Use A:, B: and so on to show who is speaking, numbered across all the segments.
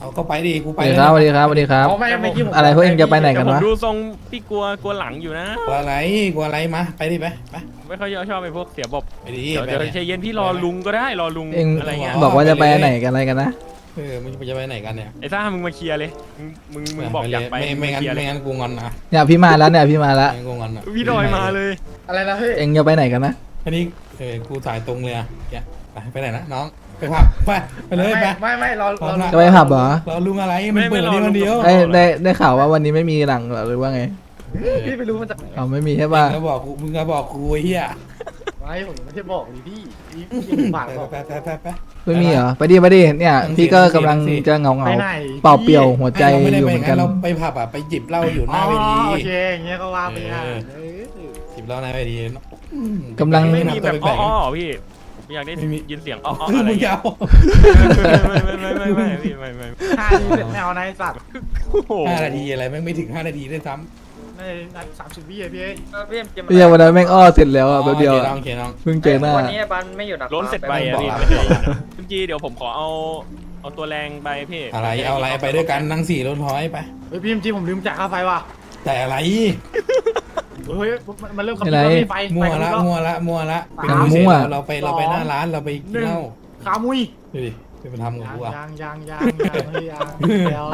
A: เอาก็ไปดิกูไป
B: สวัสดีครับสวัสดีครับ
C: อ๋อไม่กี้ผม
B: อะไรพวกเองจะไปไหนกัน
D: ผม
B: วะ
D: ดูทรงพี่กลัวหลังอยู่นะ
A: กลัวอะไรมาไปดิไป
D: ไม่ค่อยชอบไอ้พวกเสียบบ
A: ไปดิ
D: เดี๋ยวใจเย็นพี่รอลุงก็ได้รอลุง
B: เอง
D: อะไรเงี้ย
B: บอกว่าจะไปไหนกันอะไรกันนะ
A: มึงจะไปไหนกันเนี่ย
D: ไอ้ซ่ามึงมาเคลียร์เลยมึงบอกอยากไป
A: ไม่งั้น
D: เคลียร์เลย
A: กูงอนนะ
B: เนี่ยพี่มาแล้วเนี่ยพี่มาแล้ว
A: ไม่กูงอนนะ
D: พี่ดอยมาเลย
C: อะไรนะพี่
B: เองจะไปไหนกันนะ
A: อันนี้กูถ่ายตรงเลยอ่ะไปไหนนะน้องไปผับไปเลยไป
C: ไม่รอ
B: จะไปผับเหรอ
A: เราลุงอะไรมันเปิดนี่คนเดียว
B: ได้ข่าวว่าวันนี้ไม่มีหลังเหรอหรือว่าไง
C: พี่ไม่รู้มันจะ
B: เอาไม่มีใช่ป่ะ
A: มึงก็บอกกูเฮีย
C: ไม่ผมไม่ได้บอกดิพี่ยังฝากบอก
A: ไป
B: ไม่มีเหรอไปดิเนี่ยพี่ก็กำลังจะเงา
C: ไปไหน
B: เปล่าเปลี่ยวหัวใจอยู่เหมือนกัน
A: เราไปผับอ่ะไปจิบเหล้าอยู่หน้าเวที
C: โอเคอย่างเงี้ยก็ว่าไปอ่ะ
A: จิบเหล้าหน้าเวที
B: กำลัง
D: ไม่มีแบบอ้อพี่อยากได้ยินเสียงอ้ออะไร
A: มึง
D: เงี้
A: จะ
D: ย
A: เอา
D: ไม่พี่ไม่
C: ท่านี้เป็นแนวนายสัตว์
D: โอ้โห
A: 5 นาทีอะไรไม่ถึง5 นาทีด้วยซ้ำ
C: ในนัด30 วิอ่ะพี่
B: พี่วันนั้นแม่งอ้อเสร็จแล้วอ่ะแป๊บเดียว
A: โอเคน้อง
B: เพิ่งเจอหน้า
E: วันนี้บันไม่อยู่ดัก
D: ล้นเสร็จไปอะพี่
A: บอก
D: ไม่ใช่คุณจีเดี๋ยวผมขอเอาตัวแรงไปพี่
A: อะไรเอาอะไรไปด้วยกันนั่ง4 รถท้อยไป
C: เฮ้ยพี่จริงผมลืมจ่ายค่าไฟว่ะ
A: แต่อะไร
C: เฮ้ยมันเริ่มขับรถไฟ
A: มั่วละ เราไปหน้าร้านเราไปกินเหล้า
C: ขามุย
A: ดูดิไปทำกับกูอ่ะ
C: ยังแซว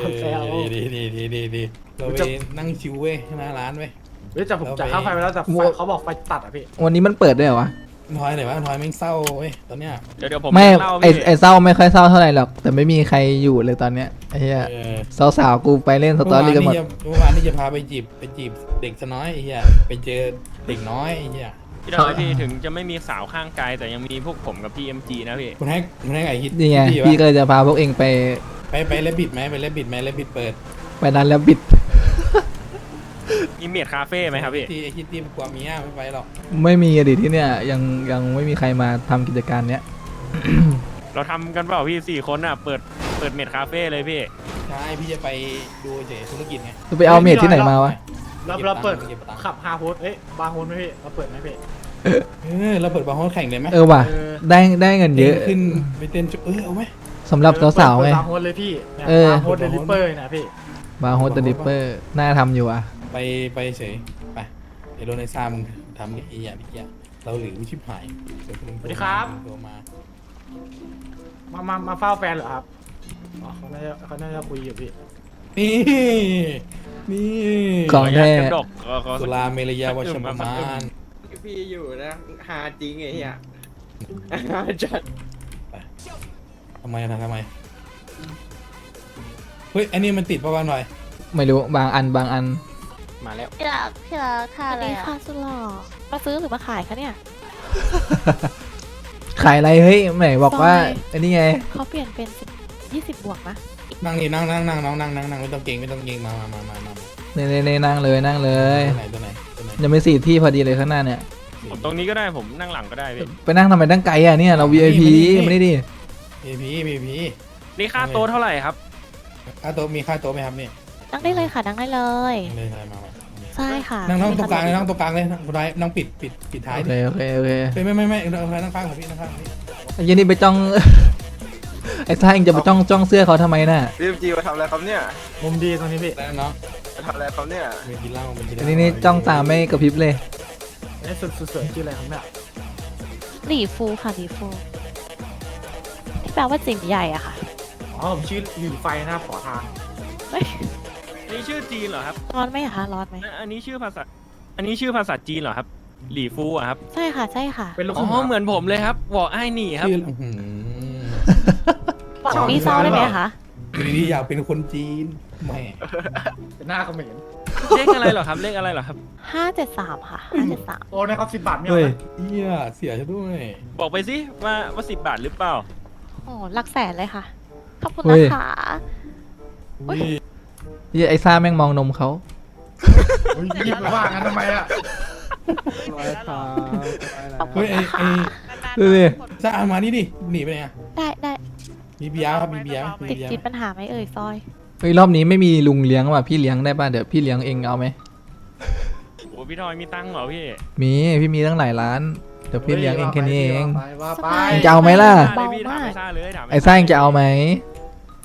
A: ดีเราไปนั่งชิวเว้ยหน้าร้านเว้ย
C: เฮ้ยแต่ผมจ่ายค่าไฟไปแล้วแต่เขาบอกไฟตัดอ่ะพี่
B: วันนี้มันเปิดด้วยเหรอวะ
A: ทอยไหนวะทอยแม่งเศร้าเว้ยตอนเนี้ย
D: เดี๋ยวผม
B: ไม่
D: เล่า
B: ไอ
D: พี่
B: ไอเศร้าไม่ค่อยเศร้าเท่าไหร่หรอก แต่ไม่มีใครอยู่เลยตอนเนี้ยไอ้เหี้ยสาวๆกูไปเล่นสตอรี่กันหมด
A: เมื่อวานนี่จะพาไปจีบเด็กน้อยไอ้เหี้ยไปเจอเด็กน้อยไอ้เหี้ย
D: พี่ดอยพี่ถึงจะไม่มีสาวข้างกายแต่ยังมีพวกผมกับพี่ MG นะพี่
A: คุณให้ไอ้ฮิต
B: นี่ไงพี่ก็เลยจะพาพวกเองไป
A: ไปเล่นบิดไหมไปเล่นบิดไหมเล่นบิดเปิด
B: ไปนั้นแล้วบิด
D: มีเมียดคาเฟ่ไหมครับพี่
A: ที่ไอ้ฮิตที่กว่ามีอ่ะไม่ไปหรอก
B: ไม่มีอดีตที่เนี่ยยังไม่มีใครมาทำกิจการเนี้ย
D: เราทำกันเปล่าพี่4 คนอ่ะเปิดเมียดคาเฟ่เลยพี่
A: ใช่พี่จะไปดูเฉยธุรกิจไง
B: จะไปเอาเมดที่ไหนมาวะ
C: เราเปิดขับฮาโฮสเอ้ยบาร์โฮสไหมพี่เราเปิดไหมพี่
A: เราเปิดบาร์โฮสแข่งเลยไหม
B: เออว่ะได้เงินเยอะ
A: ขึ้นไปเต้นเอาไหม
B: สำหรับสาวๆไง
C: บาร์โฮสเลยพี่บาร์โฮสเดลิเปอร์นะพี่
B: บาร์โฮสเดลิเปอร์น่าทำอยู่อ่ะ
A: ไปเฉยไปไอ้โรนไอซ่ามึงทำไอ้อย่างนี้เราหรือวิชิบหายโทร
C: มาเฝ้าแฟนเหรอครับอ๋อเขาน่าจะคุยอยู่พี่
A: นี่
B: ของแท้
D: กระดก
A: สุราเมรยาวชประมาณ
E: พี่อยู่นะหาจริงไอ้เหี้ยหาจัด
A: ทำไมเฮ้ยอันนี้มันติดประมาณหน่อย
B: ไม่รู้บางอัน
D: มาแล้ว
F: พี่รักท่า
G: อัน
F: อะไร
G: นี้
F: อ่ะ
G: ค่ะสุดหล่อมาซื้อหรือมาขายคะเนี่ย
B: ขายอะไรเฮ้ยไหนบอกว่าอันนี้ไง
G: เขาเปลี่ยนเป็น20 บวกนะ
A: นั่งนี่นั่งน้องนั่งไม่ต้องเก่งมา
B: เน่นั่งเลย
A: ตัวไหน
B: ยังไม่4 ที่พอดีเลยข้างหน้าเนี่ย
D: ผมตรงนี้ก็ได้ผมนั่งหลังก็ได้พี่
B: ไปนั่งทำไมตั้งไกลอ่ะเนี่ยเรา VIP ไม่ได้ดิ
A: พี
D: นี่ค่าโต๊ะเท่าไหร่ครับ
A: ค่าโต๊ะมีค่าโต๊ะไหมครับนี่
G: นั่งได้เลยค่ะนั่งได้เลย
A: เลยอะไรมา
G: ใช่ค่ะ
A: นั่งตรงกลางเลยนั่งปิดท้าย
B: โอเค
A: ไม่นั่งข้างพี่นั่งข้างพี่
B: ไอ้ยันนี่ไปจ้อง ไอ้ท่าเองจะไปจ้องเสื้อเขาทำไมน่ะ
E: พี่จีมาทำอะไรครับเนี่ย
C: มุมดีตรงนี้พี่
A: แล้วน้อง
E: มาทำอะไรครับเนี่ย
A: มีกินเหล้า
B: อันนี้นี่จ้องตาไม่กระพริบเลย
C: นี่สุดสวยชื่ออะไรครับเนี่ย
G: หลีฟูค่ะหลีฟูที่แปลว่าจิ๋มใหญ่อะค่ะ
C: อ๋อผมชื่อหลิวไฟนะขอทาง
G: เฮ้ย
D: นี่ชื่อจีนเหรอครับ
G: ร้อนไหมอะคะร้อนไหม
D: อันนี้ชื่อภาษาจีนเหรอครับหลี่ฟูอะครับ
G: ใช่ค่ะใช่ค่ะ
C: เป็นลูก
D: อ๋อเหมือนผมเลยครับวอไอ้หนี่ครับ
A: ชื่อ
G: หวังมีซอได้ไหมคะ
A: ดีอยากเป็นคนจีนแม่
C: เป็นหน้าเขมร
D: เลขอะไรเหรอครับเลขอะไรเหรอครับ
G: 573ค่ะ573
C: โอ้ในเขา10 บาทไม่เอา
A: เฮ้ย
C: นะ
A: เหี้ยเสียซะด้วย
D: บอกไปสิว่า10 บาทหรือเปล่า
G: โอ้หลักแสนเลยค่ะขอบคุณนะคะ
B: ไอ้ซ่าแม่งมองนมเขา
C: หยิบมาว่างั้นทำไมอ่ะ
G: ขอบคุ
A: เฮ้
G: ณ
A: ย
G: นะคะ
B: ดูดิ
A: ซ่าเอามานี่ดิหนีไปไหนอ่ะ
G: ได้
A: มีเบียร์ครับมีเบียร์
G: ติดปัญหาไหมเอ่ยซอย
B: เฮ้ยรอบนี้ไม่มีลุงเลี้ยงว่ะพี่เลี้ยงได้ป่ะเดี๋ยวพี่เลี้ยงเองเอาไหม
D: โอ้พี่ทอยมีตังค์เหรอพี่
B: พี่มีตั้งหลายร้าน เดี๋ยวพี่เลี้ยงเองแค่นี้เอง
C: ว่าไป
B: จะเอาไหมล่ะ
D: ได้พี่ถามไอ้ซ่าเลยถาม
B: ไอ้ซ่าเองจะเอาไหม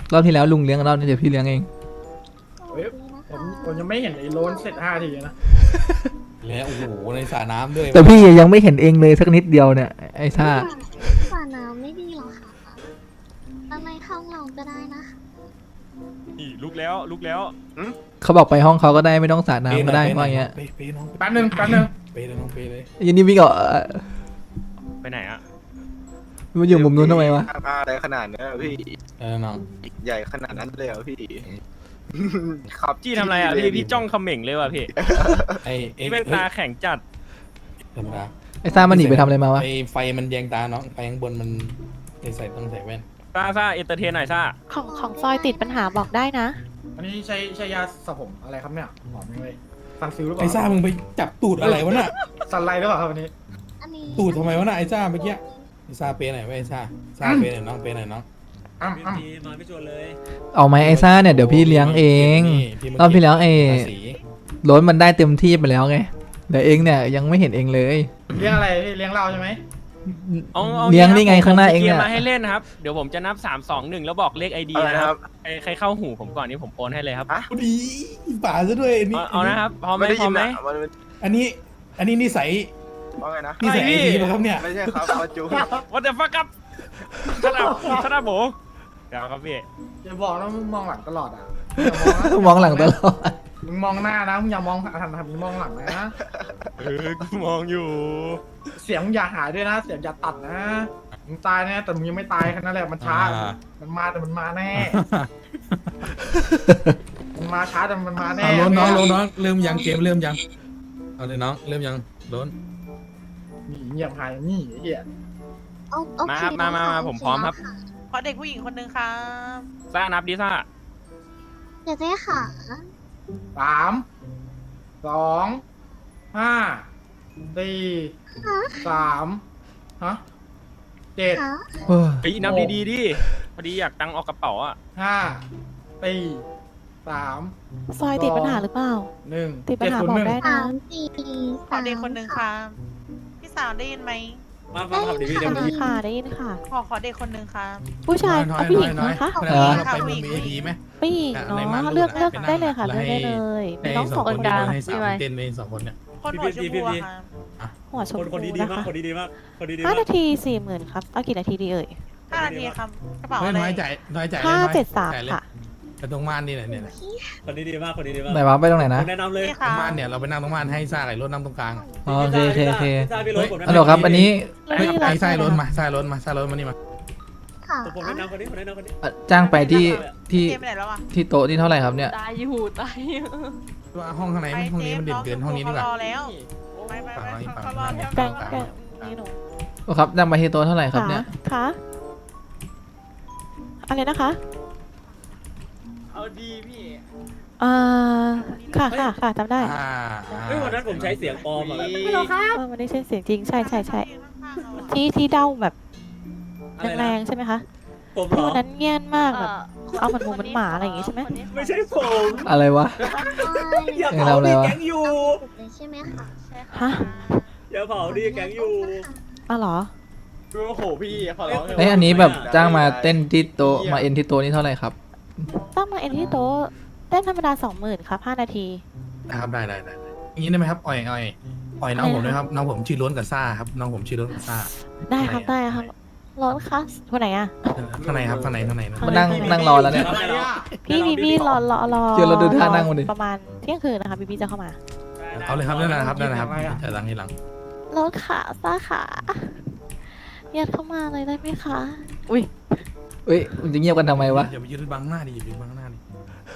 B: รอบที่แล้วลุงเลี้ยงรอบนี้เดี๋ยวพี่เลี้ยงเอง
C: เฮ้ยผมยังไม่เห็นไอ้โลนเสร็จ5 ทีนะ
A: แล้วโอ้โหในสระน้ำด้วย
B: แต่พี่ยังไม่เห็นเองเลยสักนิดเดียวเนี่ยไอ้ซ่า
F: สระน้ำไม่ดีหรอคะอะไรเข้าเราก็ได้นะ
D: นี่ลุกแล้วลุกแล้ว
B: เขาบอกไปห้องเขาก็ได้ไม่ต้องสาดน้ำก็ได้ว่าอย่างเงี้ย
A: เปน้อง
C: แป๊บนึง
A: เปเลยน้องเปเลย
B: ยันนี่วิ่งออก
D: ไปไหนอะ
B: มันอยู่มุมนู้นทำไมวะ
E: อะไรขนาดนั้นอะพี่
A: น้อง
E: ใหญ่ขนาดนั้นเลยเหรอพี่ ครับ
D: จี้ทำอะไรอะพี่จ้องเขม่งเลยว่ะพี่
A: ไอ้
D: พี่เป็นตาแข็งจัด
A: ธรรมดา
B: ไอ้ซ่ามันหนีไปทำอะไรมาวะ
A: ไอ้ไฟมันแยงตาน้องไฟข้างบนมันต้องใส่แว่น
D: ซ่าเอนเตอร์เทนหน่อยซ่า
G: ของซอยติดปัญหาบอกได้นะ
C: อันนี้ใช้ยาสระผมอะไรครับเนี่ยหอมจังเลยซันซิลหรือเป
A: ไอ้
C: ล่า
A: ซ่ามึงไปจับตูดอะไรวะน่ะ
C: ซันไลท์หรือเปล่าครับวันนี้
F: อันนี้
A: ตูดทำไมวะน่ะไอ้ซ่าเมื่อกี้ไอ้ซ่าเปไหนวะไอ้ซ่าเปไหนน้องเปไหนน้อง
C: อ้ำ
B: เอาไหมไอ้ซ่าเนี่ยเดี๋ยวพี่เลี้ยงเองรอบที่แล้วไอ้โล้นมันได้เต็มที่ไปแล้วไงแต่เองเนี่ยยังไม่เห็นเองเลย
C: เลี้ยงอะไรพี่เลี้ยงเราใช่ไหม
D: อา
B: เลี้ยงนี่ไงข้างหน้าเอง
D: เนี่
B: เนี่ย ย
D: มาให้เล่นนะครับเดี๋ยวผมจะนับ3 2 1แล้วบอกเลข ID
E: อะไร
D: นะ
E: นะ
D: ค
E: ค
D: รั
E: รั
D: บบ ใครเข้าหูผมก่อนนี่ผมโอนให้เลยครับ
A: ดีป่าซะด้วยอันนี้
D: เอานะครับพร้อมไหม
E: ไม่ได้
D: พร้
E: ยิ
D: อม
E: น
D: ไหม
E: อะมัน
A: อันนี้นิสัย
E: ว่าไงนะ
A: นิสัยไอทีป่ะครับเนี่ย
E: ไม่ใช่ครับมาจู
D: What the fuck ครับชนะโบเดี๋ยวครับพี่
C: อย่าบอกนะมึงมองหลังตลอดอ่ะ
B: มองหลังตลอด
C: มึงมองหน้านะมึงอย่ามองหันมึงมองหลังนะ
D: กูมองอยู่
C: เสียงมึงอย่าหายด้วยนะ เสียงอย่าตัดนะมึงตายแน่แต่มึงยังไม่ตายแค่นั้นแหละมันช้า มันมาแต่มันมาแน่ มันมาช้าแต่มันมาแน่
A: ล้นน้องเริ่มยังเกมเริ่มยังเอาเลยน้องเริ่มยังล้น
C: นี่เงียบหายนี่ไอ้เหี้ย
F: โอเค
D: มาครับมาผมพร้อมครับ
H: ขอเด็กผู้หญิงคนหนึ่งครับ
D: ซ่านับดิซ่า
F: เดี๋ยวเจ๊ค่ะ
C: 3 2 5 4 3ฮะ7
F: ค่ะ
B: โอ้ย
D: เฮ้ยนับดีๆดิพอดีอยากตังค์ออกกระเป๋าอ่ะ
C: 5 4 3
G: ซอยติดปัญหาหรือเปล่า
C: 1
G: ติดปัญหาบอกได้นะ
H: ขอเด็กคนหนึ่งครับพี่สาวได้ยินไหม
F: ได้ยินค่ะ
G: ค่ะได้ยินค่ะ
H: ขอเด็กคนหนึ่งครับ
G: ผู้ชายเอาผู้หญิงนะคะ
A: ไปบนเวทีไหม
G: ผู้หญิงเนาะเลือกได้เลยค่ะเลือกได้เลยมีน้องสองคนกลาง
A: ให้สาวเต้นไป2 คนเนี่ย
H: คนหัวชมพูอะครับ
G: หัวชมพูนะคะ
I: คนดีมาก
G: 5 นาที 40,000ครับเอากี่นาทีดีเอ่ย
H: 5 นาทีครับกระเป๋า
A: เฮ้ย
H: อะไร
A: น้อยใจ
G: 573ค่ะ
A: ไปตรงม่านนี่แหละเนี่ย
I: คนดีมาก
B: ไหนวะไปตรงไหนนะ
I: แนะนำเลย
H: นี่
A: ต
H: ค
A: ร
H: รั
A: ง
H: บ
A: ม่านเนี่ยเราไปนั่งตรงม่านให้ซ่าไก่รถนั่งตรงกลาง
B: อ๋อโอเค
I: ฮั
B: ฮัลโหลครับอันนี้
A: ไอ้ซ่ารถมาซ่ารถมานี่มา
F: ค่ะ
I: ผมแนะนำคนนี้
B: จ้างไปที่
H: เจมไปไหนแล้วอะ
B: ที่โต๊ะที่เท่าไหร่ครับเนี่ย
G: ตายอยู่ตายอยู่
A: ว่าห้องข้างในห้องนี้มันเด่นเกินห้องนี้ดีกว่า
H: รอแล้วไปเขารอแล้ว
G: แกงนี่หนู
B: โอ้ครับจ้างไปที่โต๊ะเท่าไหร่ครับเนี่ย
G: ค่ะอะไรนะคะ
I: เอาดีพี่
G: ค่ะจำได้
I: เฮ้ยวันนั้นผมใช้เสียงปลอมอ่ะ
G: มันได้ใช่เสียงจริงใช่ที่เด้าแบบแรงๆใช่ไหมคะ
I: ผมเหร
G: ที่
I: อ
G: วันนั้นเงียบมากแบบเอามันหมูมันหมาอะไรอย่างงี้ใช่ไหม
I: ไม่ใช่ผม
B: อะไรวะ
I: อย่าเผาดิแก๊งอยู่
F: ใช่ไหมคะ
G: ฮะ
I: อย่าเผาดิแก๊งอยู่
G: อ๋อเหรอ
E: โอ้โหพี่ขอร้อง
B: เอ้ยอันนี้แบบจ้างมาเต้นที่โต๊ะมาเอ็นที่โต๊ะนี่เท่าไหร่ครับ
G: ต้องมาเอ็นที่โต๊ะเต้นธรรมดา 20,000ครับ5 นาที
A: นะครับได้อย่างนี้ได้ไหมครับอ่อยน้องผมด้วยครับน้องผมชื่อล้นกับซ่าครับน้องผมชื่อล้นกับซ่า
G: ได้ครับร้อนคะคนไหนอะ
A: ข้างในครับข้างใน
B: มานั่งรอแล้วเนี่ย
G: พี่รอ
B: เดี๋ยวเราดูท่านั่งมันดิ
G: ประมาณเที่ยงคืนนะคะพี่จะเข้ามา
A: เอาเลยครับนั่นนะครับจะหลังที่หลัง
G: ร้อนขาซ่าขายัดเข้ามาเลยได้ไหมคะอุ้ย
B: เอ้ยมันจะเงียบกันทำไมวะ
A: อย่าไปยืนบังหน้าดิอย่าไปยืนบังหน้าดิ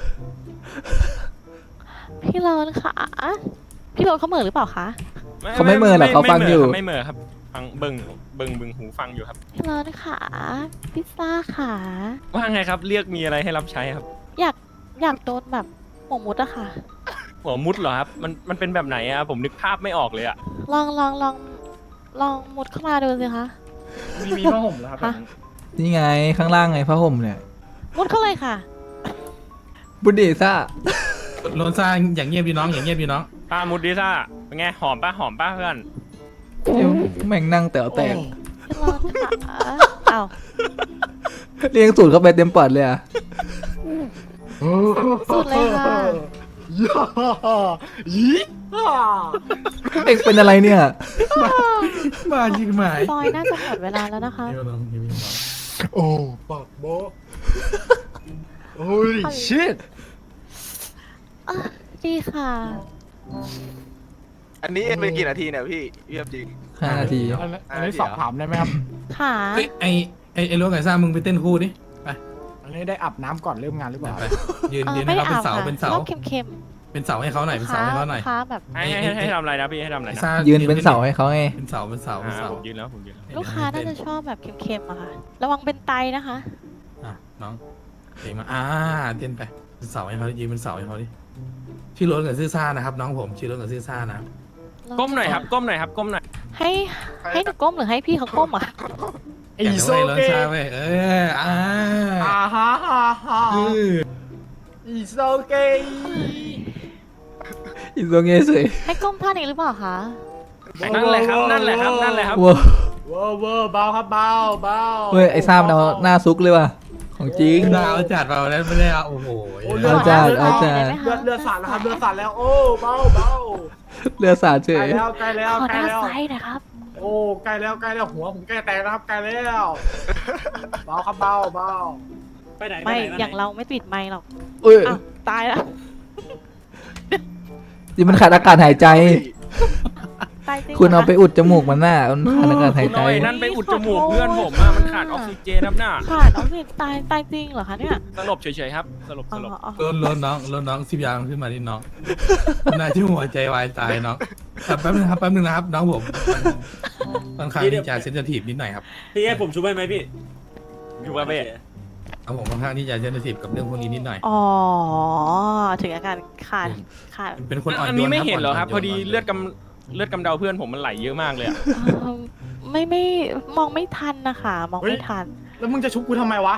G: พี่ร้อนขาพี่ร้อนเขาเหม่อหรือเปล่าคะ
B: เขาไม่เมินหรอกเขาฟังอยู่
D: ไม่เหม่อครับฟังเบิ่งหูฟังอยู่ครับ
G: พี่ร้อนขาพิซซ่าขา
D: ว่าไงครับเรียกมีอะไรให้รับใช้ครับ
G: อยากโดนแบบหมกมุดอะค่ะ
D: หัวมุดเหรอครับมันเป็นแบบไหนอะผมนึกภาพไม่ออกเลยอะ
G: ลองมุดเข้ามาดูสิคะ
C: มีผ้าห่มแล้วครับ
G: ฮะ
B: นี่ไงข้างล่างไงผ้าห่มเนี่ย
G: มุดเข้าเลยค่ะ
B: บุดีซ่า
A: ล้นซ่าอย่างเงียบพี่น้องอย่างเงียบพี่น้อง
D: ป้ามุดดิซ่าเป็นไงหอมป้าเพื่อน
B: แม่งนั่งแต๋วแตก
G: พี่ร้อนขาอ้าว
B: เลี้ยงสูตรเข้าไปเต็มปอดเลยอ่ะ
G: สุดเลยค่ะ
C: ย่ายี่ห้า
B: เอ็งเป็นอะไรเนี่ย
A: มาจริงไหม
G: ซอยน่าจะหมดเวลาแล้วนะคะ
A: เดี๋ยวลองยิ้มก่อน
C: โอ้ปากโบโอ้ยชิต
G: อ่ะดีค่ะ
J: อันนี้เอ็นเป็นกี่นาทีเนี่ยพี่เยี่ยมจริง
B: 5 นาที
C: อันนี้สอบถามได้ไหมครับ
G: ค่ะ
A: เฮ้ยไอ้รถไก่ซ่ามึงไปเต้นคู่ดิไป
C: อันนี้ได้อาบน้ำก่อนเริ่มงานหรือเปล่า
A: ไปยืน
G: เออ
A: ยืน
G: ไม่
A: ให้
G: ได้
A: เขาเป็น
G: อาบ
A: เสา
G: ค่ะ
A: เป็นเสา
G: ชอบเค็ม
A: เป็นเสาให้เขาหน่อย
G: ๆ
A: เป็นเสาให้เขาหน่อย
G: ค้าแบบ
D: ให้ทำอะไรนะพี่ให้ทำอะไร
A: ไอ้
D: นะ
A: ซ่า
B: ยืนเป็นเสาให้เขาไง
A: เป็นเสาเป็นเสาเป็นเสา
D: ผมยืนแล้วผมยืนแล้ว
G: ลูกค้าน่าจะชอบแบบเค็มๆอะค่ะ ระวังเป็นไตนะคะ
A: อ่ะน้องเก่งมากเต้นไปเป็นเสาให้เขายืนเป็นเสาให้เขาดิชื่อรถกับซื่อซ่านะครับ น้องผมชื่อรถกับซื่อซ่านะครับ
D: ก้มหน่อยครับก้มหน่อยครับก้มหน่อย
G: ให้หนูก้มหรือให้พี่เขาก้มอ่ะ
C: ไอ้โซ
A: รถ
C: เก
A: ซ่าเว้ย
C: อ่าฮ่าฮ่าฮ่าอีโซเก
B: อีตรงเงี้ยสวย
G: ให้ก้มท่านี้หรือเปล่าคะ
D: นั่นแหละครับนั่นแหละครับนั่นแหละครับ
B: ว้าว
C: เวอร์เวอร์เบาครับเบาเบา
B: เฮ้ยไอ้ซ่ามเอาหน้าซุกเลยว่ะของจริง
A: ดาวจัดเปล่าแล้วไม่ได้เอาโอ้โห
B: เอาจ้าเอาจ้า
G: ได้ไหมคะ
C: เลือดสาดแล้วครับเลือดสาดแล้วโอ้เบาเบา
B: เรือสาดเฉ
C: ใกล้
B: ย
C: แล้วใกล้แล้ว
G: ขอ
C: ใกล้
G: หน้า
C: แล้ว
G: ไซส์นะครับ
C: โอ้ใกล้แล้วใกล้แล้วหัวผมใกล้แตกแล้วครับใกล้แล้วเบาครับเบาเบา
I: ไปไหน
G: ไม่
I: ปหน
G: อย่างเราไม่ปิดไมค์หรอก
B: เอ้ย
G: อ้าวตายแล้ว
B: นี่มันขาดอากาศหายใจ
G: ตายจริง
B: คุณเอาไป
G: หรคะ
B: อุดจมูกมันหน้ามันขาดอากาศหาย
D: คุณ
B: ใจ
D: เอาไอ้นั่นไปอุดจมูกเพื่อนผมอะมันขาดออกซิเจนครับน่ะ
G: ขาดออกซิเจนตายจริงเหรอคะเนี่ย
D: สลบเฉยๆครับสลบ
G: อ๋
D: สลบ
G: อ
A: รถน้องสิบยางขึ้นมาที่น้องน่าที่หัวใจวายตายน้องแป๊บนึงนะครับน้องผมค่อนข้างที่จะเซนซิทีฟนิดหน่อยครับ
I: พี่ให้ผมช่วยไหมพี่
D: อยู่ว่าเบ้
A: เอาผมค่อนข้างที่จะเซนซิทีฟกับเรื่องพวกนี้นิดหน่อย
G: อ๋อถึงอาการขาด
A: เป็นคนอ่อนโยน
D: อันนี้ไม่เห็นเหรอครับ
A: นโย
D: พอดีเลือดกำเดาเพื่อนผมมันไหลเยอะมากเลยอะ
G: ไม่มองไม่ทันนะคะมองไม่ทัน
C: แล้วมึงจะชุบกูทำไมวะ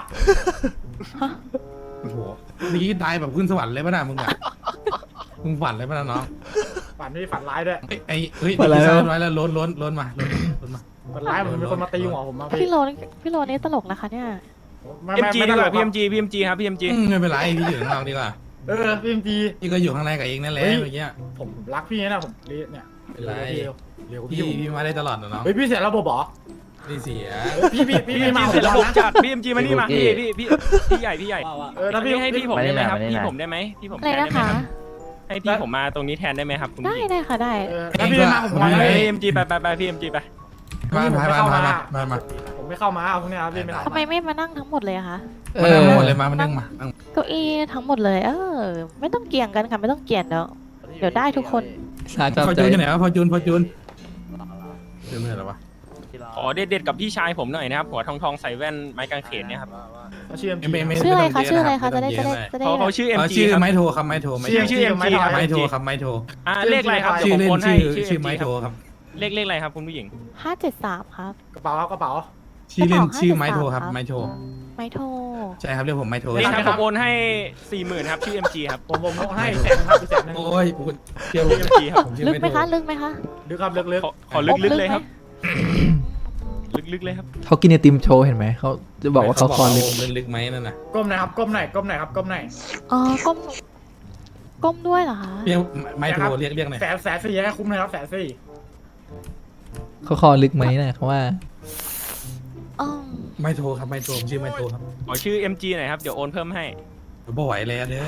A: โอ้โหนี่ตายแบบขึ้นสวรรค์เลยป่ะน่ะมึงอะมึงฝันเลยป่ะน่ะน้อง
C: ฝันไม่ฝันร้ายด้วย
A: เฮ้ย
B: ฝันอะไร
A: ร้
B: วะ
A: อยแล้วล้นมา
C: ฝันร้ายเหมือนมีคนมาตีหัวผมมา
G: พี่โรนี่ตลกนะคะเนี่ย
C: ไม่
D: PMG ดีกว่า
C: พี่
D: PMG ครับ PMG
A: ไม่เป็นไรพี่อยู่ข้างนอกดีกว่า
C: พี่จี
A: พี่ก็อยู่ข้างในกับเองนั่นแหละเมื่อกี้
C: ผมรักพี่นะผมเนี่ย
A: เป็นไร
C: เร็ว
A: พี่
C: พี่
A: มาได้ตลอดนะน้อง
C: เฮ้ยพี่เสียระบบเหรอ
A: ไม่เสีย
C: พี่มา
D: เสร็จระบบ
C: นะ
D: จัด PMG มานี่มาพี่ใหญ่
I: ว่า
C: ถ้าพี่
D: ให้พี่ผมได้ไหมครับพี่ผมได้ไหมพี่ผม
G: อะไร
D: แทนได้
G: นะ
D: ไหม
G: คะ
D: ครับให้พี่ผมมาตรงนี้แทนได้ไหมครับคุณ
G: ได้
D: พี่
G: ได้ค่ะได้
C: ถ้าพี่มาผม
A: ไม่
C: มา
A: ได้
D: PMG ไป PMG ไป
A: มา
C: ผมไม่เข้ามาพวกนี้ครับพี่ไม่
G: ทำไมไม่มานั่งทั้งหมดเลยอะคะ
B: เอ
A: มา
B: อ
A: นั่งหมดเลยมานั่งมา
G: เก้าอี้ทั้งหมดเลย ไม่ต้องเกี่ยงกันค่ะไม่ต้องเกี่ยงเดี๋ยวได้ทุกคน
B: สาชอบ
A: พอ
B: ใจ
A: จูนอยู่ไหนวะพอจูนจูนไม่เหรอวะ
D: ขอเด็ดๆกับพี่ชายผมหน่อยนะครับหัวทองใส่แว่นไม้กางเขนเนี่ยครับ
C: เขาชื่อ
G: ชื่ออะไรคะชื่ออะไรคะจะได้
D: เขาชื่อ MG
A: ชื่อ
D: ครับ
A: ไม้โทครับไม้โท
D: ชื่อ MG ครับ
A: ไม้โทครับไม้โท
D: เลขอะไรครับ
A: ชื่อ
D: เดี๋ยวผม
A: เล่น
D: โอนให้
A: ชื่อไม้
D: MG
A: โทครับ
D: เลขอะไรครับคุณผู้หญิง
G: 573ครับ
C: กระเป๋ากระเป๋า
A: ชื่อเล่นชื่อไม้โทครับไม้โท
G: ไม้โทร
A: ใช่ครับเรียกผมไม้โท
D: นี่ครับผมโอนให้ 40,000ครับชื่อ MG ครับ
C: ผมให้แสนครับแสนนึง
A: โอ้ยเชื่อ
D: ชื่อ MG ครับ
A: ผมชื่อ
G: ลึก
A: ไม้
G: ไหม
A: โท
G: คะลึกไหมคะ
C: ลึกครับลึก
D: ขอลึกๆเลยครับลึกๆเลยครับ
B: เขากินไอติมโชว์เห็นไหมเขาจะบอกว่าเขาคอลึก
A: ลึกไหมนั่นน่ะ
C: ก้มหน่อยครับก้มหน่อยก้มหน่อยครับก้มหน่อย
G: อ๋อก้มด้วยเหรอคะ
A: เรียกไม้โทเรียกหน่อย
C: แสนสี่ให้คุ้มเลยครับแสนสี่
B: เขาคอลึกไหมนะเขาว่า
G: อ๋อ
A: ไม้โทครับไม้โทผมชื่อไม้โทครับ
D: ขอชื่อ MG หน่อยครับเดี๋ยวโอนเพิ่มให้
A: บ่ไหวแล้วเด้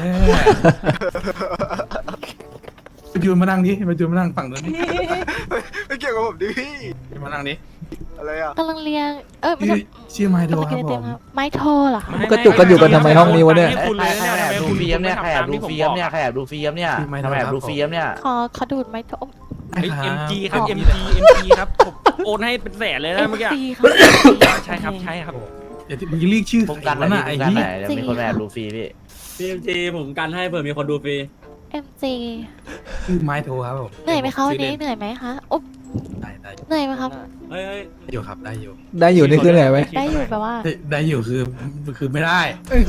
A: อจูนมานั่งดิมาจูนมานั่งฝั่งนู้นดิ
J: ไม่เกี่ยวกับผมดิพี่
A: มานั่งดิ
J: อะไรอ่ะ
G: กำลังเรียนไม่
A: ชื่อไม้โท
G: กำลัง
A: ค
G: กิ
A: รั
G: น
A: บ
G: ไอ
A: ผ
G: ติม
A: ม
G: ครับไม้โทรเหรอคะ
B: กระจุกกันอยู่กันทำไมห้องนี้วะเนี่ย
D: คุณเลย
K: ใครแอบดูฟิล์มเนี่ยใครแอบดูฟิล์มเนี่ยใครแอบดูฟิล์มเนี่ยทำไมแอบดูฟิล์มเนี่ย
G: ขอดูดไม้โทร
D: MG ครับ MG ครับผมโอนให้เป็นแสนเลยนะเมื่อกี้
G: MC ครับ
D: ใช่ครับใช่ครับ
A: เดี๋ยวมึงเรียกชื่อ
K: ผมกัน
A: แล้ว
K: ไหน
A: นะไอ้
K: ผมกัน
A: เหี้
K: ไหน
A: ย
K: เดี๋ยวมีคนแอบดูฟรีพี่
I: พี่จีผมกันให้เผื่อมีคนดูฟรี
G: MG
A: ชื่อไม้โทครับผม
G: เหนื่อยไหมคะวันนี้เหนื่อยไหมคะอุ๊บ
A: ได้
G: เหนื่อยไหมครับ
I: เฮ้ย
A: อยู่ครับได้อยู่
B: ได้อยู่นี่คือไหนไหม
G: ได้อยู่แปลว่า
A: ได้อยู่คือไม่ได้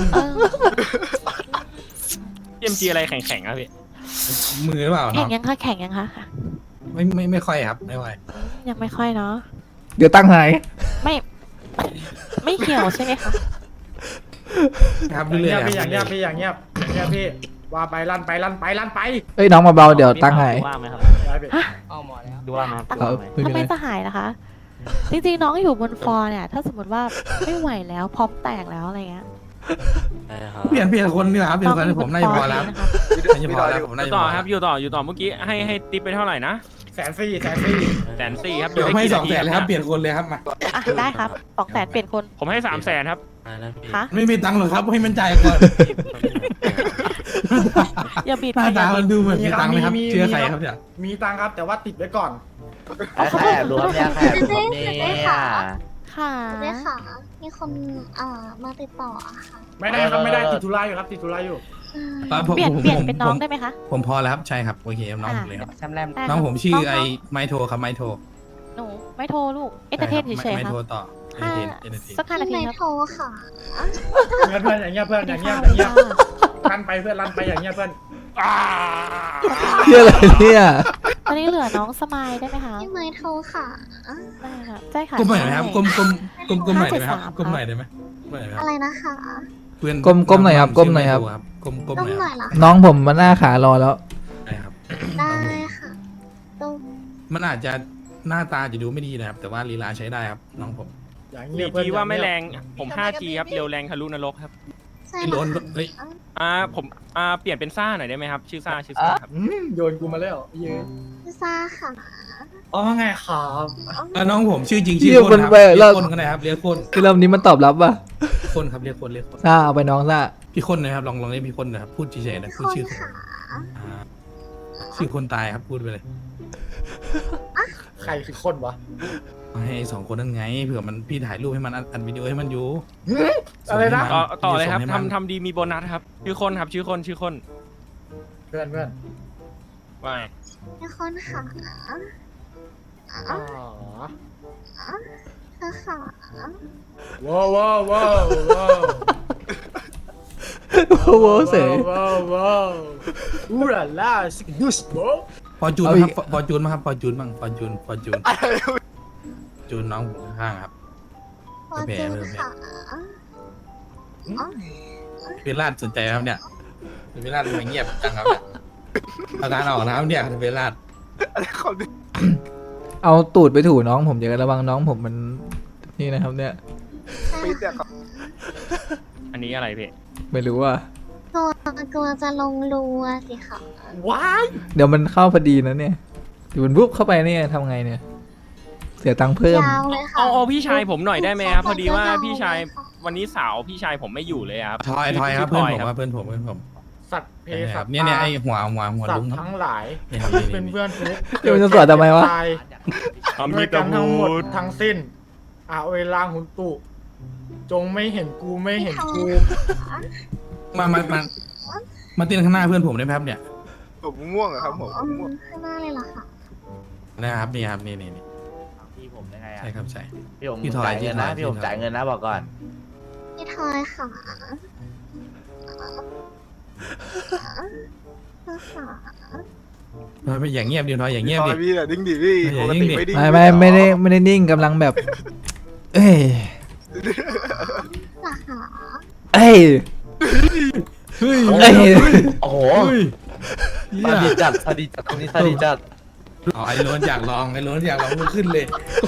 D: MG อะไรแข็งๆครับพี่
A: มือหรือเปล่า
G: แข่
A: เนาะ
G: งยังคะแข่งยังคะ
A: ไม่ค่อยครับไม่ไหว
G: ยังไม่ค่อยเนาะ
B: เดี๋ยวตั้งหาย
G: ไม่เหี่ยวใช่ไหมคะ
A: ครับ
C: อย่าง
A: เรื่อย
C: เงียบ
A: ๆ
C: พี่อย่างเงียบพี่อย่างเงียบอย่างเงียบพี่ว่าไปลั่นไปลั่นไปลั่นไป
B: เอ้ยน้องมาเบาเดี๋ยวตั้งให้
I: ว่างไหมครับ
C: ได้พี่
I: ดูว่างไหม
B: เอาไม่
G: ทำ
B: มี
G: ไม
B: อะไร
G: จะหายล่ะคะ จริงๆน้องอยู่บนฟลอร์เนี่ย ถ้าสมมติว่าไม่ไหวแล้วพร้อมแตกแล้วอะไรเงี้ย
A: เปลี่ยนคนนี่แหละครับเปลี่ยนคนให้ผมน่าจะพอแล้ว
G: นะคะ
A: น่าจะพอแล้วผมน่าจะ
D: ต่
A: พ
D: อ
A: อ
D: ครับ อยู่ต่อเมื่อกี้ให้ติ๊บไปเท่าไหร่นะ
C: 140,000
D: 140,000ครับ
A: เดี๋ยวให้200,000เลยครับเปลี่ยนคนเลยครับมา
G: อ่ะได้ครับ200,000เปลี่ยนคน
D: ผมให้300,000ครับ
G: คะ
A: ไม่มีตังค์หรอกครับให้มันจ่ายก่อน
G: อย่าบีบ
A: หน้าตา
G: อย่า
A: มัน
G: บีบ
A: ดูเหมือนมีตังค์ไหมครับเชื่อใครครับเนี่ย
C: มีตังค์ครับแต่ว่าติดไว้ก่อน
K: ใครแอบดูครับเนี่ยใครแอบดูครับเนี่ย
G: ค่ะ
F: ได้ค่ะ มีคนมาติดต่ออะค่ะ
C: ไม่ได้ครับไม่ได้ติดธุระอยู่ครับติดธุระอยู่
G: เปลี่ยนเป็นน้องได้ไหมคะ
A: ผมพอแล้วครับใช่ครับโอเคครับน้องผมเลยครับ
G: ได้
A: น้องผมชื่อไอ้
G: น้ง
A: ไมโทรครับไมโทร
G: หนูไม่โทรลูกเอเตอร์เทนเฉยๆ
A: ไม
G: ครับ
A: โทรต่อเอ
G: ห้า
A: เทนเอเทน
G: สัก5 นาที
F: ไม่
G: ครับ
F: โทรค่ะ
C: เพื่อนอย่างเงี้ยเพื่อนอย่างเงี้ย
G: ส
C: อ
G: วัส
C: ย่าง
G: ดี
C: เงี้ย
G: ค่ะ
C: ลั่นไปเพื่อนลั่นไปอย่างเงี้ยเพื่อน
B: เฮียอะไรเนี่ย
G: ตอนนี้เหลือน้องสมายได้ไหมคะ
F: พี่ไม่โทรค่ะ
G: ได้ค่ะใช่ค่ะ
A: ก้มหน่อยไหมครับ
G: ใช่
A: ก้มหน่อยได้ไหมครับ
G: 573
A: ก้มหน่อยได้ไหมก้มหน่อยได้ไหมค
F: อะ
A: รับ
F: ไรนะคะ
A: เพื่อน
B: ก้มหน่อยครับก้มหน่อยครับ
A: ก้ม
F: ต้
A: ห
F: อง
A: น่อย
F: ห
A: ค
F: น่
A: รั
F: อบ ยเหรอ
B: น้องผมมันหน้าขารอแล้ว
A: ได้ครับ
F: ได้ค่ะต้อง
A: มันอาจจะหน้าตาจะดูไม่ดีนะครับ แต่ว่าลีลาใช้ได้ครับน้องผม
C: อย่างเงี้ยเพื่อน
D: 4G ว่าไม่แรงผม 5G ครับเร็วแรงทะลุนรกครับ
F: ใช่
A: ไอ้โลนเฮ้ย
D: ผมเปลี่ยนเป็นซ่าหน่อยได้ไหมครับ ชื่อซ่าครับ
C: โยนกูมาแล้วเยอะ
F: พิซซ่าค่ะ
C: อ๋อไงครับ
A: น้องผมชื่อจริง
B: เหี้
A: ชื่
B: ย
A: อคน
B: มัน
A: ครับ
B: ไป
A: เรี
B: แล้
A: ยว กคนก็ได้ครับเรียกคน
B: คือเริ่มนี้มันตอบรับป่ะ
A: คนครับเรียกคน
B: ซ่าเอาไปน้องซ่า
A: พี่คนนะครับลองเรียกพี่คนนะครับพูดเฉยๆนะพูดชื่อคน
F: ค่ะ
A: อ่าชื่อคนตายครับพูดไปเลย
C: ใครคือคนวะ
A: ให้สองคนนั่นไงเผื่อมันพี่ถ่ายรูปให้มันอัดวิดีโอให้มันอยู่
C: อะไรนะ
D: ต่อเลยครับ
A: ส่งให้มัน
D: ทำดีมีโบนัสครับ ชื่อคนครับชื่อคน
C: เพื่อน
D: ว่า
F: มีคนค่ะ
C: อ๋อ
F: เธอค่ะ
C: ว้าวว้าวว้าวว้าว
B: โอ้โหเสย
C: ว้าวว้าวอูราล่าสกิดุสโบ
A: ฟอร์จูน
B: เอา
A: ค
B: อี
A: รับ
B: ก
A: ฟอร์จูนมั้งครับฟอร์จูนบ้างฟอร์จูนจูนน้องผมข้างๆครับ
F: พอเจอค่ะ
A: เวลาดสนใจไหมครับเนี่ยเวลาดทำไมเงียบจังครับเนี่ยอาการออกนะครับเนี่ยเวลาด
B: เอาตูดไปถูน้องผมอย่าระวังน้องผมมันนี่นะครับเนี่ย
J: ปีเสียครับ
D: อันนี้อะไรพี่
B: ไม่รู้ว่า
F: กลัวจะลงรูอะสิค่ะ
C: ว้าย
B: เดี๋ยวมันเข้าพอดีนะเนี่ยอยู่มันปุ๊บเข้าไปเนี่ยทำไงเนี่ย เสียตังค์เพิ่ม
F: ยาวเลยค่ะ
D: เอาพี่ชายผมหน่อยได้ไหมครับ พอดีว่า
F: เข้าไป
D: พี่ชาย
F: ยาวเลยค่ะ วัน
D: นี้สาวพี่ชายผมไม่อยู่เลยครับ
A: ทอยครับ
D: ชื่
A: เพื่อนผม
D: ทย
A: ว่าเพื่อนผม
C: สัตว์เพ
A: เนี่ย
C: สั
A: ครั
C: ต
A: บ
C: ว์
A: เนี่ยไอหัว
C: สัต
A: ลุง
C: ว์
A: ครับ
C: ทั้งหลาย
A: นี่ครับ
C: เป็นเพื่อนเฟซ
B: เดี๋ยวมันจะสวดทำไมวะ
C: ตาย ด้วยกันทั้งหมดทั้งสิ้นเวลาหุนตุจงไม่เห็นกูไม่เห็นกู
A: มาเต้นข้างหน้าเพื่อนผมได้ไหมครับเนี่ย
J: ผมม่วงอะครับผมม่วง
F: ข้างหน้าเลยเหรอคะ
A: นะครับนี่ครับนี่
K: พี่ผมยังไงอ่ะ
A: ใช่ครับใช่
K: พี่ผม
A: พี่ถอย
K: จ่ายเงินนะ
A: พี่
K: พี่
A: ถ
K: ผ
A: อย
K: มจ่ายเงินนะบอกก่อน
F: พี่ทอยค่ะเธอค่ะ
A: ไม่อย่างเงียบดิทอยอย่างเงียบ
J: ตอ
A: ดิ
J: นพี่อะดิ้งดิพี่
A: อย่า
J: ปก
A: ดิ้
J: ติ
A: งดิ
J: ไม่ดิ้ง
B: ไม่ได้นิ่งกำลังแบบ เอ้ย
F: เหรอคะ
B: เอ้ย
A: เฮ้ย
B: เอ้ย
K: โอ้โห
A: เหี้
K: ส
A: ย
K: วัสดีจัดสวัสดีจัดตรงนี้สวัสดีจัด
A: ไอ้โรนอยากลองมันขึ้นเลย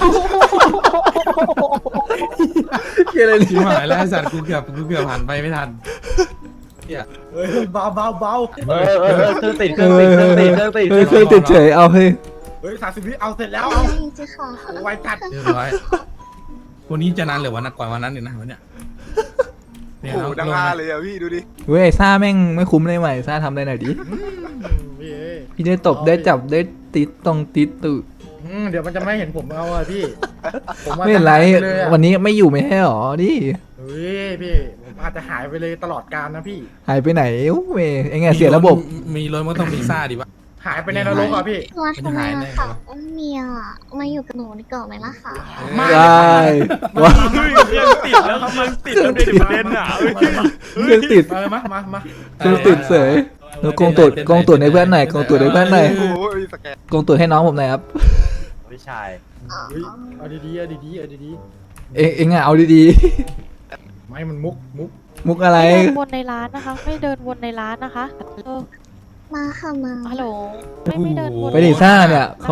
B: เกี่ยอะไร
A: ชิบหายแล้วไอ้สัตว์กูเกือบผ่านไปไม่ทัน
C: เบาเบาเบา
K: เครื่องติดเครื่องติดเครื่องติดเครื่องติด
B: เฮ้ยเคยติดเฉยเอาเฮ้ย
C: เฮ้ย30 วิเอาเสร็จแล้ว
F: เอา
C: เอา
F: จริงๆค่ะ
C: ไวจัด
A: เรียบร้อยวันนี้จะนานหรือวันนักกว่าวันนั้นเนี่ยนะวันเนี้ย
J: โอ้โหดังฮาเลยอะพี่ดูดิ
B: เว้ยซ่าแม่งไม่คุ้มเลยใหม่ซ่าทำได้หน่อยดิ
C: พี่เอ้ย
B: พี่ได้ตบได้จับได้ติดตรงติดตุ
C: เดี๋ยวมันจะไม่เห็นผมเอาอะพี่ผมว่า
B: ไม่เป็นไร
C: จะหายปเลยอะ
B: วันนี้ไม่อยู่ไม่ใช่หรอดิ
C: เฮ้ยพี่ผมอาจจะหายไปเลยตลอดกาลนะพี่
B: หายไปไหนอู้เว้ยไอ้ไงเสียระบบ
A: มีรถมันก็ต้องมีซ่าดิวะ
C: หายไปในนรกอะพี่
F: ตัวทำไมล่ะค่ะเมียมาอยู่กับหนูดีกว่าไหมล่ะคะ
B: ได้ว้า
D: เฮ้ยยังติดแล้วครับยังติดแล้วในประเด็นอ่ะเฮ้ย
B: เครื่องติด
C: มา
B: เครื่องติดเสยแล้วกงตูดให้เพื่อนหน่อยกงตูดให้เพื่อนหน่อย
J: โอ้โหมีสแกน
B: กงตูดให้น้องผมหน่อยครับ
K: พี่ชาย
C: เฮ้ยเอาดีๆเอาดีๆเอาดี
B: เองอ่ะเอาดี
C: ๆไม่มันมุก
B: มุกอะไร
G: ไม่เดินวนในร้านนะคะ ไม่เดินวนในร้านนะคะเออ
F: มาค่ะมา
G: ฮัลโหลไม่เดินวน
B: ไปดิซ่าเนี่ยเขา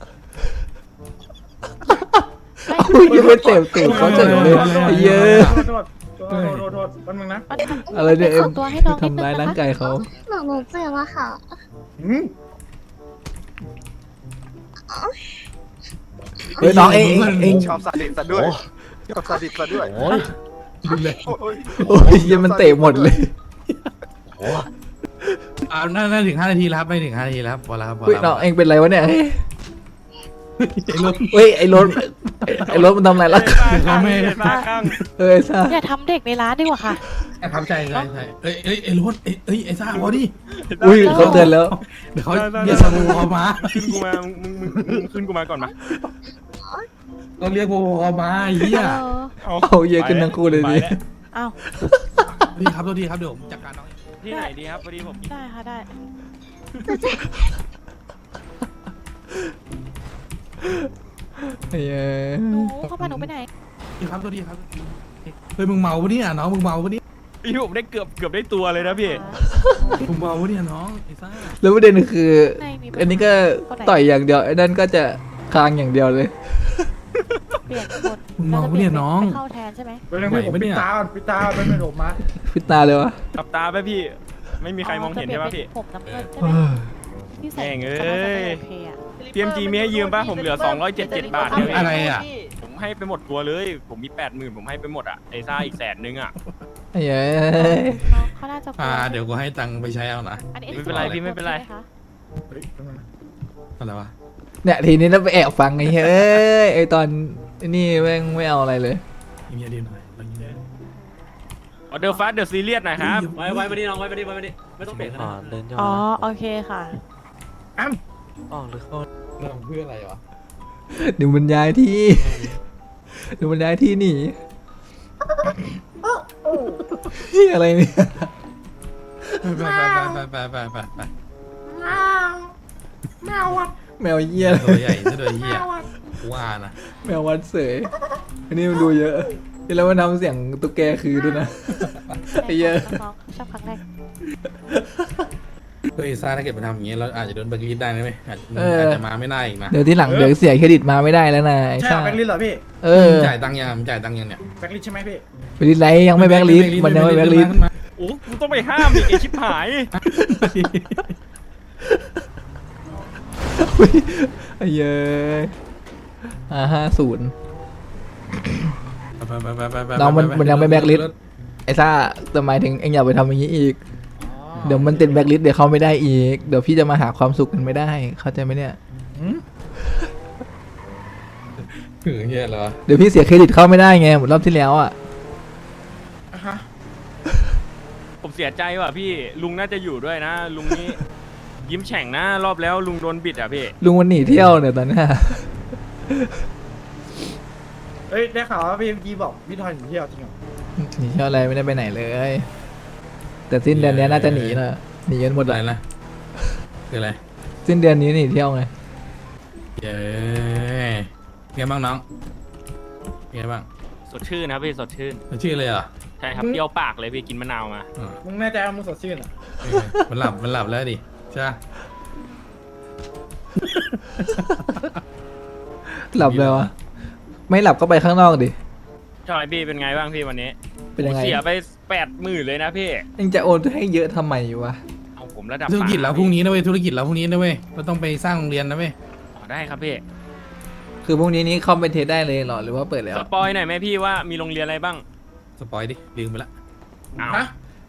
G: ไม่
B: อุ้ยยังไม่เต็มตูดเขาเจ๋งเลยไอ้เยอะ
C: โทษแป๊บนึงนะ
G: มัน
B: อะไรเนี่ยเอ็ม
G: ขอตัวให้น้องนิดนึ
B: ทำร้าย
G: ง
B: ร่าง
G: นะคะ
B: กายเขา
F: หนูเจ็บอะค่ะ
C: อืม
B: เฮ้ยน้องเอง
J: ชอบซาดิสซะด้วยชอบซาดิสซะด้วย
K: โอ้ย
A: ดูเลย
J: โอ้ย
B: โอ้ยยังมันเตะหมดเลย
A: น่าถึง5 นาทีแล้วครับไม่ถึง5 นาทีแล้วครับพอแล้วครับพอ
B: เฮ้ย
A: แล้ว
B: น้องเองเป็นไรวะเนี่ย
A: ไอ้รถ
B: เฮ้ยไอ้รถไอ้รถมันทำอะไรล่ะ
A: เขาไม่
D: ตาข้าง
B: เอ้ยซ่า
G: อย่าทำเด็กในร้านดีกว่าค่ะ
A: ครับใช่เอ้ยไอ้รถเอ้ยไอ้ซ่าพอดิ
B: อุ้ยเขาเตือนแล้ว
A: เดี๋ยวเขาเรียกสมูเขามา
D: ขึ้นกูมามึงขึ้นกูมาก่อนมา
A: ต้องเรียกโบเขามาไอ้เหี้ย
B: เอาเยอะขึ้นทั้งคู่เลยดิ
G: อ้าว
A: ดีครับตัวดีครับเดี๋ยวผมจัดการน้องเอง
D: ที่ไหนดีครับพอดีผม
G: ได้ค่ะได้
B: ไอ้เหี้ย
G: หนูเข้ามาหนูไปไหน
A: ดีครับตัวดีครับเฮ้ยมึงเมาปะเนี่ยน้องมึงเมาปะเนี่ย
D: พี่ผมได้เกือบได้ตัวเลยนะพี่
A: มึงเมาปะเนี่ยน้องไอ้ซ่า
B: แล้วประเด็นคือ
G: ไม่มี
B: อันนี้ก็ต่อยอย่างเดียวไอ้นั่นก็จะคางอย่างเดียวเลย
G: เปลี่ยนคน
A: มึงเมาปะเนี่ยน้อง
G: ไปเข้าแทนใช่ไหม
C: แป๊บนึงพี่ผมปิดตาก่อนปิดตาก่อนแป๊บนึงผมมา
B: พิดตาเลยวะ
D: ตับตาไปพี่ ไม่มีใครมองเห็นใช่ปะพี่
G: ผมน้ำเงินใช่
B: เอ
G: ไหม
B: อ
G: พี่ใส่
D: แม่งเอ้ย
G: โอเคอะ
D: TMG มีให้ยืมปะผมเหลือ277 บาทเนี่ย
A: อะไรอ่ะ
D: ผมให้ไปหมดตัวเลย ผมมี 80,000ผมให้ไปหมดอ่ะไอ้ซ่าอีก100,000อ่ะ
B: ไอ้เหี้ย
G: น้องเขาน่าจะกลัว
A: เดี๋ยวกูให้ตังค์ไปใช้เอานะ
G: อันนี้
D: ไม่เป็นไรพี่ไม่เป็นไร
G: ใช่หคะ
C: เฮ้ยแป๊บนึงนะ
A: อะไรวะ
B: เนี่ยทีนี้เราไปแอบฟังไอ้เหี้ยเอ้ยไอ้ตอนไอ้นี่แม่งไม่เอาอะไรเลย
A: เงียบดีหน่อยเงียบ
D: ออเดอร์ฟาสเดอะซีเรียสหน่อยครับ
I: ไว้มาดิน้องไว้มาดิไม่ต้องเบรกขนาดนั้น
G: อ๋อโอเคค่ะ
A: เราเพื่ออะไรวะ
B: เดี๋ยวมันย้ายที่เดี๋ยวมันย้ายที่หนีเหี้ยอะไรเนี่ย
A: ไป
C: แมววัด
B: แมวเหี้ย
A: ตัวใหญ่ซะด้วยเหี้ยว่านะ
B: แมววัดเสยอันนี้มันดูเยอะแล้วมันทำเสียงตุ๊กแกคือด้วยนะ ไอ้เหี้ย
G: น้องๆชอบครั้งแรก
A: เฮ้ยซ่าถ้าเกิดมาทำอย่างงี้เราอาจจะโดนแบล็คลิสต์ได้นะไหมอาจจะมาไม่ได้อีกนะ
B: เดี๋ยวที่หลังเดี๋ยวเสียเครดิตมาไม่ได้แล้วนะไอ้
C: ใช่
B: ซ่า
C: แบ็คลิสต์เหรอพี่
B: เออ
A: จ่ายตังค์ยังจ่ายตังค์ยังเนี่ย
C: แบ็คลิสต์ใช่ไหมพี่
B: ไปลิสต์ไรยังไม่แบ็คลิสต์มันยังไม่แบ็คลิสต์
D: โอ้กูต้องไปห้ามอีกไอชิบหาย
B: อุ๊ยไอ้เย้ย50น้องมันยังไม่แบ็คลิสต์ไอ้ซ่าแต่หมายถึงเอ็งอย่าไปทำอย่างนี้อีก เดี๋ยวมันติดแบ็คลิสต์เดี๋ยวเข้าไม่ได้อีก เดี๋ยวพี่จะมาหาความสุขกันไม่ได้ เข้าใจไหมเนี่ย
A: คือเหี้ยเหรอ
B: เดี๋ยวพี่เสียเครดิตเข้าไม่ได้ไงเหมือนรอบที่แล้วอ่ะ
C: ฮะ
D: ผมเสียใจว่ะพี่ลุงน่าจะอยู่ด้วยนะ ลุงนี้ยิ้มแฉ่งนะรอบแล้วลุงโดนบิดอ่ะพี่
B: ลุงมันหนีเที่ยวเนี่ยตอนเนี้ย
C: เฮ้ยได้ข่าวว่าพี่บอกพี่ทอยหนีเที่ยวจริงเหรอ
B: หนีเที่ยวอะไรไม่ได้ไปไหนเลย แต่สิ้นเดือนนี้น่าจะหนีนะหนีกันหมด
A: อะไร
B: เลย
A: นะคืออะไร
B: สิ้นเดือนนี้หนีเที่ยวไง
A: เย้ไงบ้างน้องไงบ้าง
D: สดชื่นนะพี่สดชื่น
A: ชื่อเลยเหรอ
D: ใช่ครับเปรี้ยวปากเลยพี่กินมะนาวมา
C: มึงแน่ใจว่ามึงสดชื่นเหรอ
A: มันหลับแล้วดิใช่
B: หลับเลยวะไม่หลับก็ไปข้างนอกดิ
D: ใช่พี่เป็นไงบ้างพี่วันนี้
B: เป็นยังไง
D: ผมเสียไป80,000เลยนะพี่
B: เอ็งจะโอนให้เยอะทำไมวะ
D: เอาผมระดับ
A: ธุรกิจเรา
D: ป่า
A: พรุ่งนี้นะเว้ยธุรกิจเราพรุ่งนี้นะเว้ยเราต้องไปสร้างโรงเรียนนะเว้ย
D: อ๋อได้ครับพี่
B: คือพรุ่งนี้เข้าไปเทสได้เลยเหรอหรือว่าเปิดแล้ว
D: สปอยหน่อยไหมพี่ว่ามีโรงเรียนอะไรบ้าง
A: สปอยดิลืมไปละ
D: อ้าว
C: ฮะ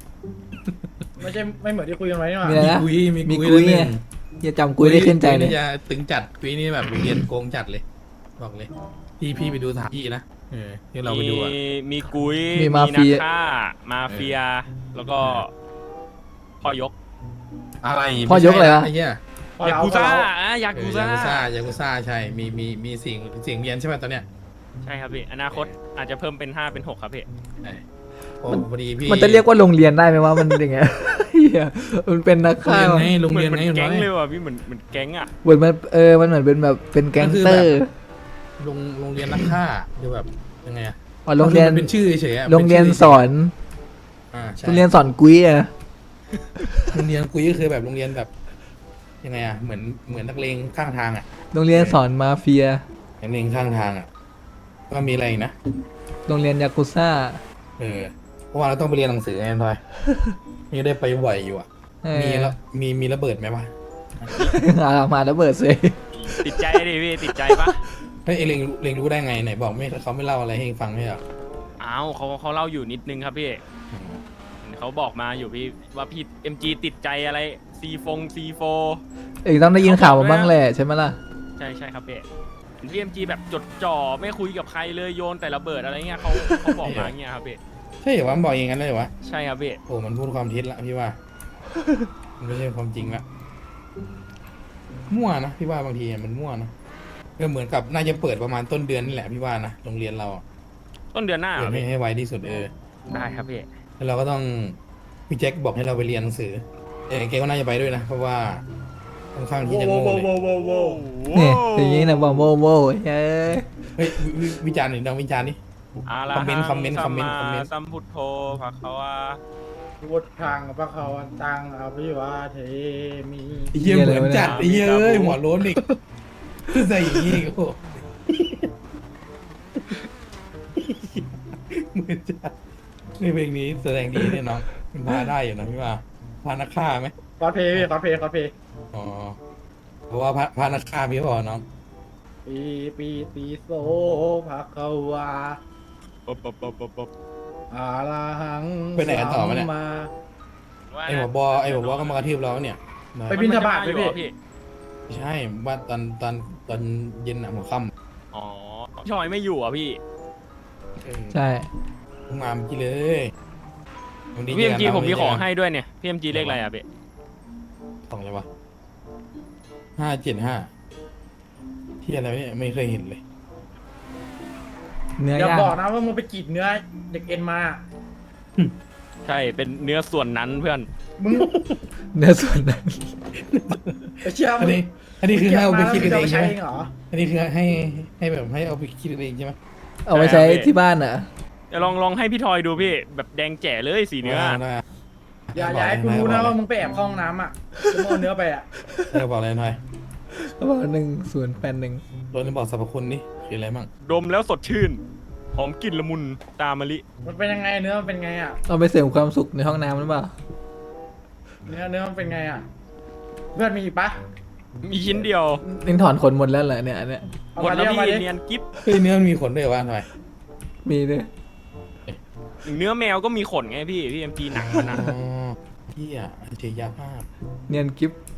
C: ไม่เหมือนที่คุยกันไว้นี่หว่า
B: มีอะไรนะ
A: มี
B: กุ
A: กุ
B: ย
A: ย
B: ไง อย่าจำกุยได้ขึ้นใจเลย
A: กุจะตึงจัดกุยนี่แบบโรงเรียนโกงจัดเลยบอกเลยพี่ไปดูสถานที่นะที่เราไปดูอะ
D: มีกุย
B: มีมาเฟีย
D: นักฆ่ามาเฟีย แล้วก็พ่อยก
A: อะไร
B: พ่อยกอะไรวะ
A: ไอ้เหี้ย
C: พอย
D: า
C: เอา
D: กู
C: ซะ
D: ซ่า
C: แล้ว
D: ยากูซ่า
A: ยากุซ่าใช่มีสิ่งเรียนใช่ไหมตอนเนี้ย
D: ใช่ครับพี่อนาคตอาจจะเพิ่มเป็น5เป็น6ครับพี่
A: โอ้พอดีพี่
B: มันจะเรียกว่าโรงเรียนได้ไหมว่ามันยังไง เหี้ยมันเป็นนักฆ่า
A: โรงเรียน
D: เหมื
A: ไง
D: อน
A: โรงเรียนไง
D: แก๊ง
A: น้อย
D: เลยว่ะพี่เหมือนแก๊งอ่ะ
B: เหมือนมันมันเหมือนเป็นแบบเป็นแก๊งเตอร์
A: โรงเรียนนักฆ่าดูแบบยังไงอะ
B: อ๋อโรงเรียน
A: เป็นชื่อเฉยๆอะ
B: โรงเรียนสอน
A: ใช่
B: โรงเรียนสอนกุ้ยอะ
A: โรงเรียนกุยก็คือแบบโรงเรียนแบบยังไงอะเหมือนนักเลงข้างทางอะ
B: โรงเรียนสอนมาเฟีย
A: นักเลงข้างทางอะก็มีอะไรอีกนะ
B: โรงเรียนยากุซ่า
A: เพราะว่าเราต้องไปเรียนหนังสือไงทอยนี่ได้ไปบ่อยอยู่อะ
B: เออ
A: มีแล้วมีระเบิดไหมวะ
B: มาแล้วเบิดเลย
D: ติดใจดิพี่ติดใจปะ
A: เฮ้ยเเลงรู้ได้ไงไหนบอกไม่เขาไม่เล่าอะไรให้เองฟังไม่เหรอ
D: อ้าวเขาเล่าอยู่นิดนึงครับพี่เขาบอกมาอยู่พี่ว่าพี่ MG ติดใจอะไรC4
B: เอกต้องได้ยินข่าวมาบ้างแหละใช่ไหมล่ะ
D: ใช่ครับพี่พี่ MG แบบจดจ่อไม่คุยกับใครเลยโยนแต่ระเบิดอะไรเงี้ยเขาบอกมาอย่างเงี้ยครับพี่
A: ใช่เหรอวะมันบอกอย่างนั้นเลยเหรอวะ
D: ใช่ครับพี่
A: โอ้มันพูดความเท็จละพี่ว่า มันไม่ใช่ความจริงละมั่วนะพี่ว่าบางทีมันมั่วนะก็เหมือนกับน่าจะเปิดประมาณต้นเดือนนี่แหละพี่ว่านะโรงเรียนเราอะ
D: ต้นเดือนหน้า
A: เปิดให้ไวที่สุด
D: ได้ครับพี่
A: แล้วเราก็ต้องพี่แจ็คบอกให้เราไปเรียนหนังสือแกก็น่าจะไปด้วยนะเพราะว่าค่อนข้างที่จะโง่เลย
B: เนี่ยอย่างนี้นะบอกโว้โว้เฮ้ย
A: เฮ้ยวิจารณ์หน่อยลองวิจารณ์ดิ
D: คอมเมนต์สัมพุทโธภะคะวา
C: พุทธังพระเขาวันตังอภิวาเทมี
A: ไอ้เหี้ยเหมือนจัดไอ้เหี้ยเอ้ยหัวโล้นอีกใส่อย่างงี้อีกโอ้โหเหมือนจัดในเพลงนี้แสดงดีเนี่ยน้องมันพาได้อยู่นะพี่ว่าพานักฆ่าไหม
C: คอสเพย์คอสเพย์
A: อ๋อเพราะว่าพานักฆ่าพี่บอกน้อง
C: ปีโสภะคะวาอาราหัง
A: ไปไหนกันต่อมาเนี่ย
C: มา
A: ไอ้หัวบอก็มากระทืบเราเนี่ย
C: ไปบิณฑบาต
D: อยู่
C: พี่
D: เหรอพี่
A: ไม่ใช่ว่าตอนเย็นอะหัวค่ำ
D: อ๋อพี่ชอยไม่อยู่อ่ะพี่
B: ใช่
A: เพิ่งมาเมื่อกี้เลยวันนี้
D: พี่
A: เจ
D: MG
A: กันนะ
D: ผมมี
A: วันนี้
D: ของ
A: เจกัน
D: ให้ด้วยเนี่ยพี่ MG เลขอะไรอ่ะพี่
A: ของอะไรวะ575ที่อะไรวะเนี่ยไม่เคยเห็นเลย
B: เนื้อ
C: อย่า
B: ย่าง
C: บอกนะว่ามึงไปกรีดเนื้อเด็กเอ็นมา
D: ใช่เป็นเนื้อส่วนนั้นเพื่อน
C: มึง
B: เนื้อส่วนนั้น
C: ไปเชื่อ
A: อันนี้คือให้เอาไปคิด
C: เก็บ
A: เอ
C: มาง
A: ใช่ไหม
C: เองเหรอ
A: อันนี้คือให้แบบให้เอาไปคิดเองใช่ไหม
B: เอาไปใช้ที่บ้านเหรอ
D: เดี๋ยวลองให้พี่ทอยดูพี่แบบแดงแจ๋เลยสีเนื้อ
A: ได้
C: อย่าให้กูรู้นะว่ามึงไปแอบเข้าห้องน้ำอ่ะกูโมเนื้อไปอ่ะ
A: ได้บอกอะไรหน่อย
B: เขาบอก1081
A: โดนบอกสรรพคุณนี่คืออะไรบ้าง
D: ดมแล้วสดชื่นหอมกลิ่นละมุนตามมะลิ
C: มันเป็นยังไงเนื้อมันเป็นไงอ่ะ
B: เอาไปเสริมความสุขในห้องน้ำหรือเปล่า
C: เนื้อมันเป็นไงอ่ะเพื่อนมีอีกปะ
D: มีชิ้นเดียว
B: นี่ถอนขนหมดแล้วเหรอเนี่ยอันเนี่ย
C: เอา
D: หมด
C: มา
D: แล้ว
C: เอามา
D: พี่
C: ดิ
D: เนียนกิ๊บ
A: เฮ้ยเนื้อมันมีขนด้วยวะทำไม
B: มีด้วย
D: เนื้อแมวก็มีขนไงพี่ MG หนังมันนะ
A: อ๋อเที่ยเจียยาภาพ
B: เนียนกิฟ